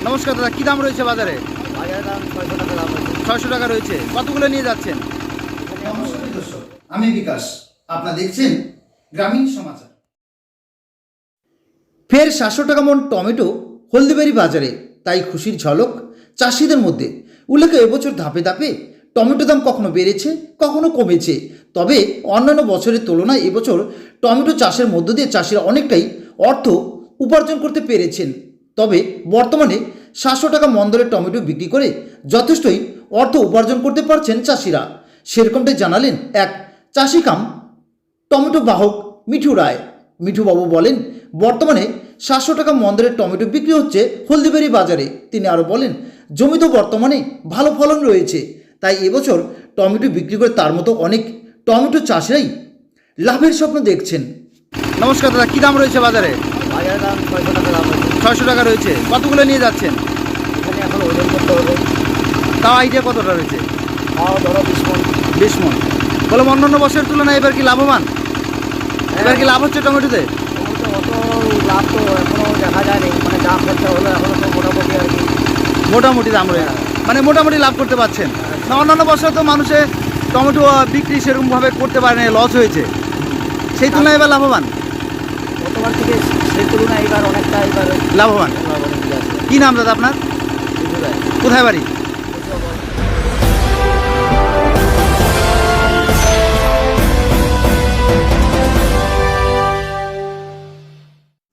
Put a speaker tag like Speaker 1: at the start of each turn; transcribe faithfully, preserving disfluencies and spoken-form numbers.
Speaker 1: নমস্কার দাদা, কি দাম রয়েছে বাজারে?
Speaker 2: বাজারের দাম ছয়শো টাকা দাম আছে।
Speaker 1: ছয়শো টাকা রয়েছে। কতগুলো নিয়ে যাচ্ছেন?
Speaker 3: নমস্কার দর্শক, আমি বিকাশ, আপনারা দেখছেন গ্রামীণ সমাচার। ফের সাতশো টাকা মন টমেটো হলদিবাড়ি বাজারে, তাই খুশির ঝলক চাষিদের মধ্যে। উল্লেখ্য, এবছর ধাপে ধাপে টমেটো দাম কখনো বেড়েছে, কখনো কমেছে। তবে অন্যান্য বছরের তুলনায় এবছর টমেটো চাষের মধ্য দিয়ে চাষিরা অনেকটাই অর্থ উপার্জন করতে পেরেছেন। তবে বর্তমানে সাতশো টাকা মন দরে টমেটো বিক্রি করে যথেষ্টই অর্থ উপার্জন করতে পারছেন চাষিরা। সেরকমটাই জানালেন এক চাষি কাম টমেটো বাহক মিঠু রায়। মিঠুবাবু বলেন, বর্তমানে সাতশো টাকা মন দরে টমেটো বিক্রি হচ্ছে হলদিবাড়ি বাজারে। তিনি আরও বলেন, জমিতে বর্তমানে ভালো ফলন রয়েছে, তাই এবছর টমেটো বিক্রি করে তার মতো অনেক টমেটো চাষিরাই লাভের স্বপ্ন দেখছেন।
Speaker 1: নমস্কার দাদা, কি দাম রয়েছে বাজারে?
Speaker 2: বাজারের দাম ছয়শো টাকা দাম আছে।
Speaker 1: ছয়শো টাকা রয়েছে। কতগুলো নিয়ে যাচ্ছেন?
Speaker 2: এখানে এখন ওজন করতে হবে।
Speaker 1: তাও আইডিয়া কতটা রয়েছে?
Speaker 2: তাও ধরো বিশ মন।
Speaker 1: বিশ মন। বললাম অন্যান্য বছরের তুলনায় এবার কি লাভবান? এবার কি লাভ হচ্ছে টমেটোতে?
Speaker 2: টমেটো অত লাভ তো এখনও দেখা যায়নি, মানে যা খরচা হলো এখনও তো মোটামুটি আর কি।
Speaker 1: মোটামুটি দাম রয়েছে, মানে মোটামুটি লাভ করতে পারছেন না? অন্যান্য বছর তো মানুষে টমেটো আহ, বিক্রি সেরকমভাবে করতে পারে না, লস হয়েছে। সেই তুলনায় এবার লাভবান।
Speaker 2: গতবার থেকে সেই তুলনায় এবার অনেকটা এবার
Speaker 1: লাভবান।
Speaker 2: লাভ অনেক আছে।
Speaker 1: কি নাম দাদা আপনার?
Speaker 2: বুঝতে পারি।
Speaker 1: কোথায় বাড়ি?